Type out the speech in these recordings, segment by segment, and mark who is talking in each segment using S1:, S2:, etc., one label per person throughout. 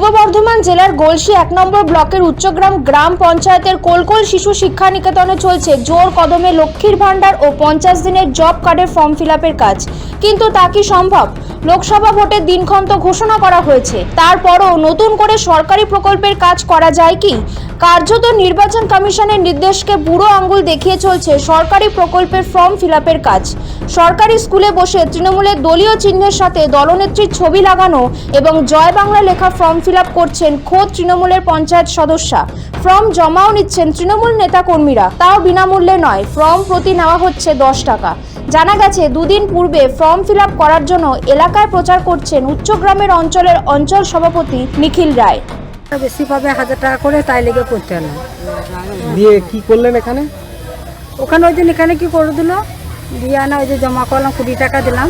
S1: পূর্ব বর্ধমান জেলার গলসি ১ নম্বর ব্লকের উচ্চগ্রাম গ্রাম পঞ্চায়েতের কোলকোল শিশু শিক্ষা নিকেতনে চলছে জোর কদমে লক্ষ্মীর ভাণ্ডার ও ৫০ দিনের জব কার্ডের ফর্ম ফিলআপের কাজ। কিন্তু তা কি সম্ভব? লোকসভা ভোটের দিনক্ষণ তো ঘোষণা করা হয়েছে, তারপরও নতুন করে সরকারি প্রকল্পের কাজ করা যায় কি? কার্যত নির্বাচন কমিশনের নির্দেশকে বুড়ো আঙ্গুল দেখিয়ে চলছে সরকারি প্রকল্পের ফর্ম ফিলআপের কাজ। সরকারি স্কুলে বসে তৃণমূলের দলীয় চিহ্নের সাথে দলনেত্রীর ছবি লাগানো এবং জয় বাংলা লেখা ফর্ম ফিলআপ করছেন খোদ তৃণমূলের পঞ্চায়েত সদস্যা। ফর্ম জমাও নিচ্ছেন তৃণমূল নেতা কর্মীরা, তাও বিনামূল্যে নয়, ফর্ম প্রতি নেওয়া হচ্ছে ১০ টাকা। জানা গেছে দুদিন পূর্বে ফর্ম ফিলআপ করার জন্য এলাকায় প্রচার করছেন উচ্চগ্রামের অঞ্চল সভাপতি নিখিল রায়।
S2: বেশি পাবে ১০০০ টাকা করে, তাই লেগে করতে হলো।
S3: দিয়ে কি করলেন এখানে?
S2: ওখানে ওই দিন এখানে কি করে দিল, দিয়ে আনা ওই যে জমা করলাম ২০ টাকা দিলাম।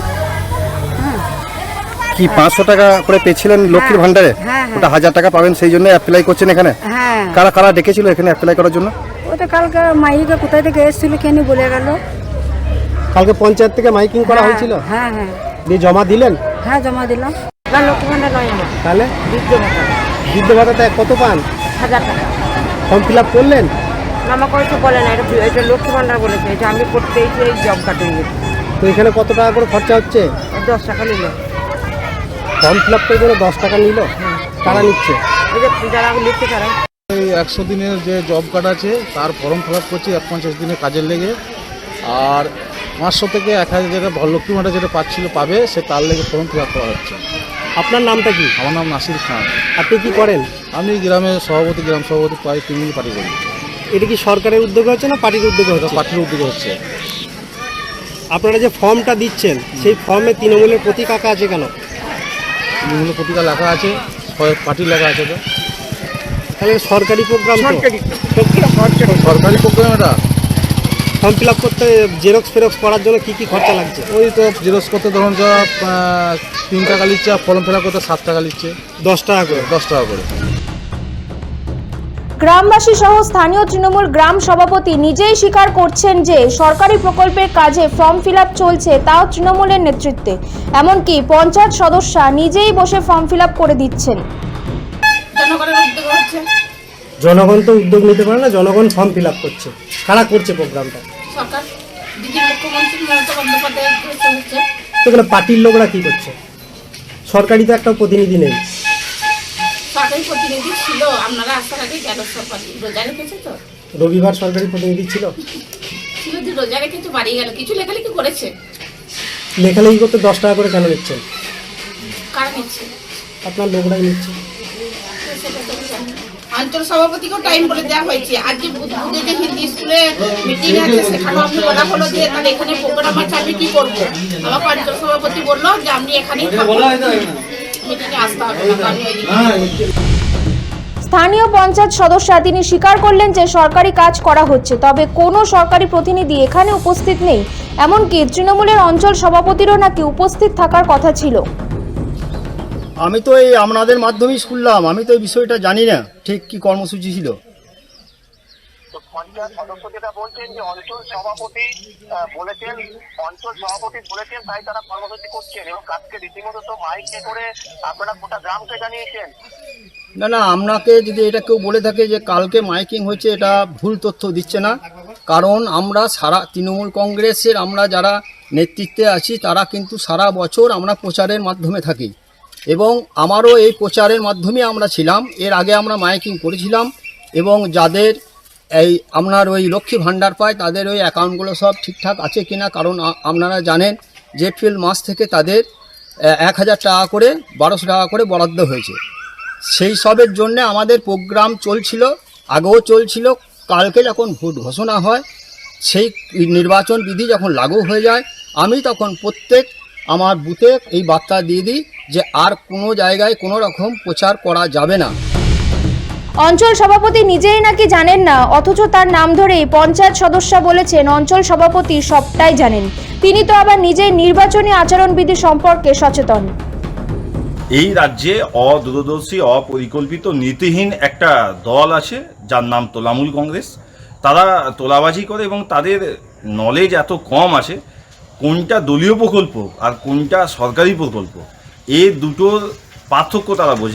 S3: কি ৫০০ টাকা করে পেয়েছিলেন লক্ষ্মীর ভান্ডারে?
S2: হ্যাঁ,
S3: ওটা ১০০০ টাকা পাবেন, সেই জন্য অ্যাপ্লাই করছেন এখানে।
S2: হ্যাঁ,
S3: কারা কারা ডেকেছিল এখানে অ্যাপ্লাই করার জন্য?
S2: ওটা কালকে মাইকে কোথায় থেকে এসেছিল কেন বলে গেল।
S3: কালকে পঞ্চায়েত থেকে মাইকিং করা হয়েছিল।
S2: হ্যাঁ হ্যাঁ
S3: দিয়ে জমা দিলেন?
S2: হ্যাঁ, জমা দিলাম। না, লক্ষ্মী ভাণ্ডার নয় আমার,
S3: তাহলে
S2: বৃদ্ধ ভাতা।
S3: বৃদ্ধ ভাতাটা কত পান?
S2: ১০০০ টাকা।
S3: ফর্ম ফিল আপ করলেন?
S2: আমাকে কিছু বলে না, এটা লক্ষ্মী ভাণ্ডার বলেছে, এটা আমি করতে এই জব কার্ডে গেছি।
S3: তো এখানে কত টাকা করে খরচা হচ্ছে?
S2: ১০ টাকা নিল।
S3: ফর্ম ফিল আপ করে ১০ টাকা নিল? কারা নিচ্ছে?
S2: ওই যে যারা লিখছে তারা।
S4: এই ১০০ দিনের যে জব কার্ড আছে তার ফর্ম ফিল আপ করছি ৫০ দিনের কাজের লেগে, আর ৫০০ থেকে ১০০০ যেটা লক্ষ্মী ভাণ্ডার যেটা পাবে সে তার লেগে ফর্ম ফিল আপ করা হচ্ছে।
S3: আপনার নামটা কি?
S4: আমার নাম নাসির খান।
S3: আপনি কি করেন?
S4: আমি গ্রাম সভাপতি প্রায় তৃণমূল পার্টি করি।
S3: এটা কি সরকারের উদ্যোগে হচ্ছে না পার্টির উদ্যোগে হচ্ছে?
S4: পার্টির উদ্যোগে হচ্ছে।
S3: আপনারা যে ফর্মটা দিচ্ছেন সেই ফর্মে তৃণমূলের প্রতীক আঁকা আছে কেন?
S4: তৃণমূলের পত্রিকা লেখা আছে, পার্টি লেখা আছে। তো
S3: তাহলে সরকারি প্রোগ্রাম,
S4: সরকারি প্রোগ্রাম এটা।
S3: ফর্ম ফিল আপ করতে জেরক্স ফেরক্স করার জন্য কি কি খরচা লাগছে?
S4: ওই তো জেরক্স করতে ধরুন যা ৩ টাকা নিচ্ছে, আর ফর্ম ফিল আপ করতে ৭ টাকা নিচ্ছে।
S3: ১০ টাকা করে?
S4: ১০ টাকা করে।
S1: গ্রামবাসী সহ স্থানীয় তৃণমূল গ্রাম সভাপতি নিজেই স্বীকার করছেন যে সরকারি প্রকল্পের কাজে ফর্ম ফিলআপ চলছে, তাও তৃণমূলের নেতৃত্বে। এমনকি পঞ্চায়েত সদস্যা নিজেই বসে ফর্ম ফিলআপ করে দিচ্ছেন।
S3: জনগণ তো উদ্যোগ নিতে পারে না, জনগণ ফর্ম ফিল আপ করছে। কারা করছে প্রোগ্রামটা?
S5: সরকার, দিদি মুখ্যমন্ত্রী মমতা বন্দ্যোপাধ্যায়ের হচ্ছে।
S3: সেখানে পার্টির লোকরা কি করছে? সরকারি তো একটা প্রতিনিধি নেই।
S5: সরকারি প্রতিনিধি ছিল, আপনারা আসার আগে গেল, রোজা রেখেছে তো।
S3: রবিবার সরকারি প্রতিনিধি ছিল?
S5: ছিল যে রোজা রেখেছে, বাড়ি গেল, কিছু লেখালেখি করেছে।
S3: লেখালেখি করতে 10 টাকা করে কেন নিচ্ছেন?
S5: কারা নিচ্ছে?
S3: আপনার লোকরাই নিচ্ছে।
S5: সেটা তো আমি জানি না। অঞ্চল সভাপতিকেও টাইম বলে দেওয়া হয়েছে। আজ যে বুধে যে হিন্দি স্কুলে মিটিং আছে, সেখানেও আমি বলা হলো যে তাহলে এখানে প্রোগ্রাম আছে, আমি কি করবো? আমাকে অঞ্চল সভাপতি বললো যে আপনি এখানেই মিটিংয়ে আসতে হবে না, আমি ওইদিকে।
S1: স্থানীয় পঞ্চায়েত সদস্যা তিনি স্বীকার করলেন যে সরকারি কাজ করা হচ্ছে, তবে কোনো সরকারি প্রতিনিধি এখানে উপস্থিত নেই। এমনকি তৃণমূলের অঞ্চল সভাপতিরও নাকি উপস্থিত থাকার কথা ছিল।
S6: আমি তো এই আপনাদের মাধ্যমেই শুনলাম, আমি তো এই বিষয়টা জানি না ঠিক কি কর্মসূচি ছিল।
S7: পঞ্চায়েত সদস্য যেটা বলছেন যে অঞ্চল সভাপতি বলেছেন তাই তারা কর্মসূচি করছেন, এবং কাজকে রীতিমতো তো মাইকে করে আপনারা গোটা গ্রামকে জানিয়েছেন।
S6: না না, আপনাকে যদি এটা কেউ বলে থাকে যে কালকে মাইকিং হচ্ছে, এটা ভুল তথ্য দিচ্ছে না। কারণ আমরা সারা তৃণমূল কংগ্রেসের আমরা যারা নেতৃত্বে আছি তারা কিন্তু সারা বছর আমরা প্রচারের মাধ্যমে থাকি, এবং আমারও এই প্রচারের মাধ্যমে আমরা ছিলাম। এর আগে আমরা মাইকিং করেছিলাম, এবং যাদের এই আপনার ওই লক্ষ্মী ভাণ্ডার পায় তাদের ওই অ্যাকাউন্টগুলো সব ঠিকঠাক আছে কিনা, কারণ আপনারা জানেন যে এপ্রিল মাস থেকে তাদের ১০০০ টাকা করে ১২০০ টাকা করে বরাদ্দ হয়েছে। সেই সবের জন্য আমাদের প্রোগ্রাম চলছিল, আগেও চলছিল। কালকে যখন ভোট ঘোষণা হয়, সেই নির্বাচন বিধি যখন লাগু হয়ে যায়, আমি তখন প্রত্যেক আমার বুথে এই বার্তা দিয়ে দিই যে আর কোনো জায়গায় কোনো রকম প্রচার করা যাবে না।
S1: অঞ্চল সভাপতি নিজেই নাকি জানেন না, অথচ তার নাম ধরেই পঞ্চায়েত সদস্যা বলেছেন অঞ্চল সভাপতি সবটাই জানেন। তিনি তো আবার নিজেই নির্বাচনী আচরণবিধি সম্পর্কে সচেতন।
S8: এই রাজ্যে অদূরদর্শী, অপরিকল্পিত, নীতিহীন একটা দল আছে যার নাম তৃণমূল কংগ্রেস। তারা তোলাবাজি করে এবং তাদের নলেজ এত কম আছে কোনটা দলীয় প্রকল্প আর কোনটা সরকারি প্রকল্প, এই দুটোর পার্থক্য তারা বোঝে না।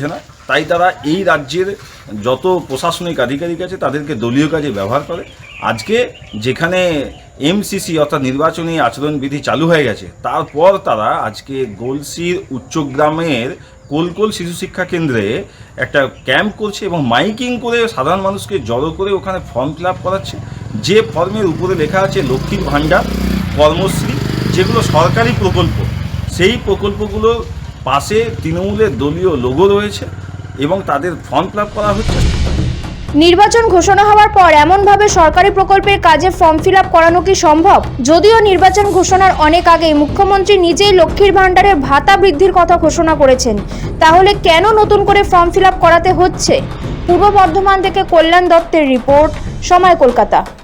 S8: তাই তারা এই রাজ্যের যত প্রশাসনিক আধিকারিক আছে তাদেরকে দলীয় কাজে ব্যবহার করে। আজকে যেখানে এমসিসি অর্থাৎ নির্বাচনী আচরণবিধি চালু হয়ে গেছে, তারপর তারা আজকে গলসির উচ্চগ্রামের কোলকোল শিশু শিক্ষা কেন্দ্রে একটা ক্যাম্প করছে এবং মাইকিং করে সাধারণ মানুষকে জড়ো করে ওখানে ফর্ম ফিল আপ করাচ্ছে। যে ফর্মের উপরে লেখা আছে লক্ষ্মীর ভাণ্ডার, কর্মশ্রী, যেগুলো সরকারি প্রকল্প, সেই প্রকল্পগুলোর পাশে তৃণমূলের দলীয় লোগো রয়েছে এবং তাদের ফর্ম ফিল আপ করা হচ্ছে।
S1: নির্বাচন ঘোষণা হওয়ার পর এমনভাবে সরকারি প্রকল্পের কাজে ফর্ম ফিল আপ করানো কি সম্ভব? যদিও নির্বাচন ঘোষণার অনেক আগেই মুখ্যমন্ত্রী নিজেই লক্ষ্মীর ভাণ্ডারের ভাতা বৃদ্ধির কথা ঘোষণা করেছেন, তাহলে কেন নতুন করে ফর্ম ফিল আপ করাতে হচ্ছে? পূর্ব বর্ধমান থেকে কল্যাণ দত্তের রিপোর্ট, সময় কলকাতা।